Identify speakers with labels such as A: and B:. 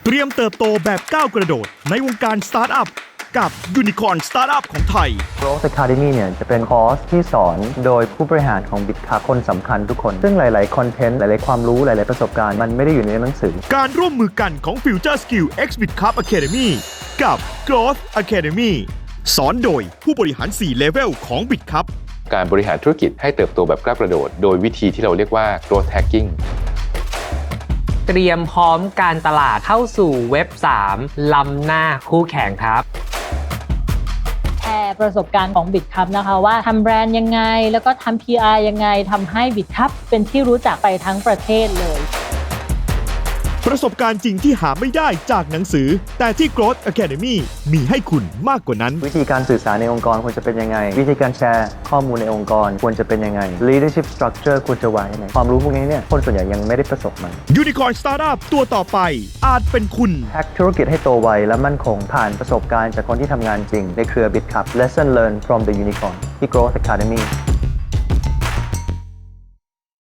A: เตรียมเติบโตแบบก้าวกระโดดในวงการสตาร์ทอัพกับยูนิคอร์นสตาร์ทอัพของไทย
B: Growth Academy เนี่ยจะเป็นคอร์สที่สอนโดยผู้บริหารของ BitCup คนสำคัญทุกคน ซึ่งหลายๆคอนเทนต์หลายๆความรู้หลายๆประสบการณ์มันไม่ได้อยู่ในหนังสือ
A: การร่วมมือกันของ Future Skill X BitCup Academy กับ Growth Academy สอนโดยผู้บริหาร 4 เลเวลของ BitCup
C: การบริหารธุรกิจให้เติบโตแบบก้าวกระโดดโดยวิธีที่เราเรียกว่า growth hacking
D: เตรียมพร้อมการตลาดเข้าสู่เว็บ 3 ล้ำหน้าคู่แข่งครับ
E: แชร์ประสบการณ์ของ BitCup นะคะว่าทำแบรนด์ยังไงแล้วก็ทำ PR ยังไงทำให้ BitCup เป็นที่รู้จักไปทั้งประเทศเลย
A: ประสบการณ์จริงที่หาไม่ได้จากหนังสือ แต่ที่ Growth Academy มีให้คุณมากกว่านั้น
B: วิธีการสื่อสารในองค์กรควรจะเป็นยังไงวิธีการแชร์ข้อมูลในองค์กรควรจะเป็นยังไง leadership structure ควรจะวางยังไงความรู้พวกนี้เนี่ยคนส่วนใหญ่ยังไม่ได้ประสบมัน
A: Unicorn Startup ตัวต่อไปอาจเป็นคุณ
B: แฮกธุรกิจให้โตไวและมั่นคงผ่านประสบการณ์จากคนที่ทำงานจริงในเครือ BitCup Lesson Learned from the Unicorn ที่ Growth Academy